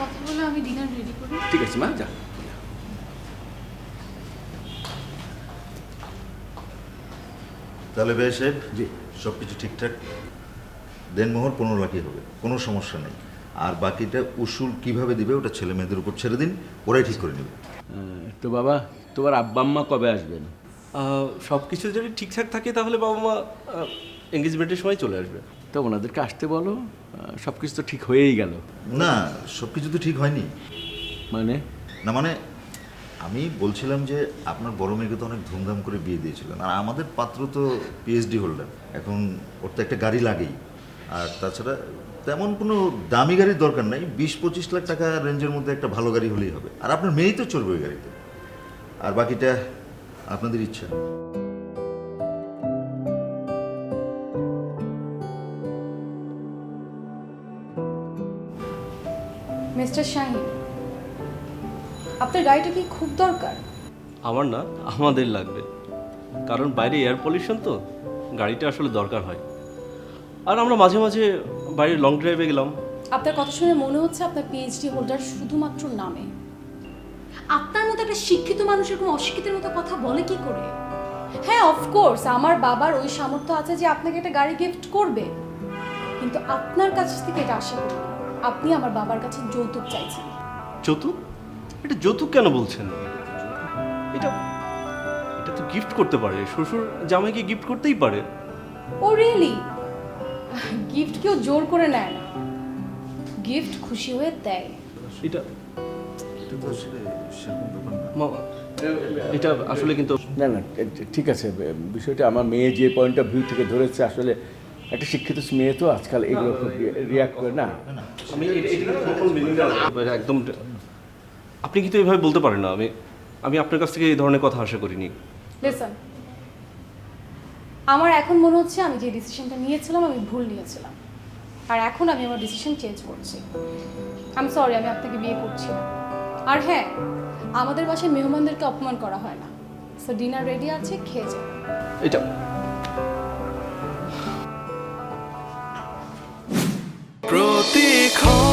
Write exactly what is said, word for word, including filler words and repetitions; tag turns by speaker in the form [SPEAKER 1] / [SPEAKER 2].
[SPEAKER 1] কথা বলে আমি ডিনার রেডি করি।
[SPEAKER 2] ঠিক আছে মা, যা।
[SPEAKER 3] তাহলে ভাই সাহেব,
[SPEAKER 2] জি।
[SPEAKER 3] সব কিছু ঠিকঠাক, দেনমোহর পনেরো লাখই হবে, কোনো সমস্যা নেই। আর বাকিটা উসুল কিভাবে দিবে ওটা ছেলে মেয়েদের উপর ছেড়ে দিন, ওরাই ঠিক করে নেবে।
[SPEAKER 2] তো বাবা, তোমার আব্বা আম্মা কবে আসবেন?
[SPEAKER 4] সব কিছু যদি ঠিকঠাক থাকে তাহলে বাবা মা এঙ্গেজমেন্টের সময় চলে আসবে।
[SPEAKER 2] তো ওনাদেরকে আসতে বলো, সব কিছু তো ঠিক হয়েই গেল।
[SPEAKER 3] না, সব কিছু তো ঠিক হয়নি।
[SPEAKER 2] মানে?
[SPEAKER 3] না মানে আমি বলছিলাম যে আপনার বড় মেয়েকে তো অনেক ধুমধাম করে বিয়ে দিয়েছিলেন, আর আমাদের পাত্র তো পিএইচডি হোল্ডার, এখন ওর তো একটা গাড়ি লাগেই। আর তাছাড়া তেমন কোনো দামি গাড়ির দরকার নাই, বিশ পঁচিশ লাখ টাকা রেঞ্জের মধ্যে একটা ভালো গাড়ি হলেই হবে। আর আপনার মেয়েই তো চড়বে ওই গাড়িতে, আর বাকিটা আপনাদের ইচ্ছা।
[SPEAKER 1] মিস্টার শাহিন, আপনার গাড়িটা কি খুব দরকার?
[SPEAKER 4] আমার না, আমাদের লাগবে, কারণ বাইরে এয়ার পলিউশন তো গাড়িটা আসলে দরকার হয়। আর আমরা মাঝে মাঝে বাইরে লং ড্রাইভে গেলাম।
[SPEAKER 1] আপনার কথা শুনে মনে হচ্ছে আপনার পিএইচডি হোল্ডার শুধুমাত্র নামে। আপনার মতো একটা শিক্ষিত মানুষ এরকম অশিক্ষিতের মতো কথা বলে কি করে? হ্যাঁ, অফকোর্স আমার বাবার ওই সামর্থ্য আছে যে আপনাকে একটা গাড়ি গিফট করবে, কিন্তু আপনার কাছ থেকে এটা আশা করি না। আপনি আমার বাবার কাছে যৌতুক চাইছেন।
[SPEAKER 4] যৌতুক? এটা যৌতুক কেন বলছেন? এটা এটা তো গিফট করতে পারে, শ্বশুর জামাইকে গিফট করতেই পারে।
[SPEAKER 1] ও রিয়েলি? গিফট কেউ জোর করে নেয় না, গিফট খুশি হয়ে দেয়।
[SPEAKER 4] এটা
[SPEAKER 3] এটা তো আসলে সেরকম ব্যাপার না।
[SPEAKER 4] মামা, এটা আসলে কিন্তু
[SPEAKER 2] না না, ঠিক আছে, বিষয়টা আমার মেয়ে যে পয়েন্ট অফ ভিউ থেকে ধরেছে, আসলে একটা শিক্ষিত মেয়ে তো আজকাল এগুলো রিয়াক্ট করে না।
[SPEAKER 4] আমি এটা- এটা কিন্তু total meaning টা না। একদম আপনি কিন্তু এইভাবে বলতে পারেন না। আমি আমি আপনার কাছ থেকে এই ধরনের কথা আশা করিনি।
[SPEAKER 1] লিসন, আমার এখন মনে হচ্ছে আমি যে ডিসিশনটা নিয়েছিলাম আমি ভুল নিয়েছিলাম, আর এখন আমি আমার ডিসিশন চেঞ্জ করছি। আই এম সরি, আমি আপনাকে বিয়ে করছি না। আর হ্যাঁ, আমাদের বাসায় মেহমানদেরকে অপমান করা হয় না। সো ডিনার রেডি আছে, খেয়ে যাও।
[SPEAKER 4] এটা
[SPEAKER 5] প্রতীক্ষণ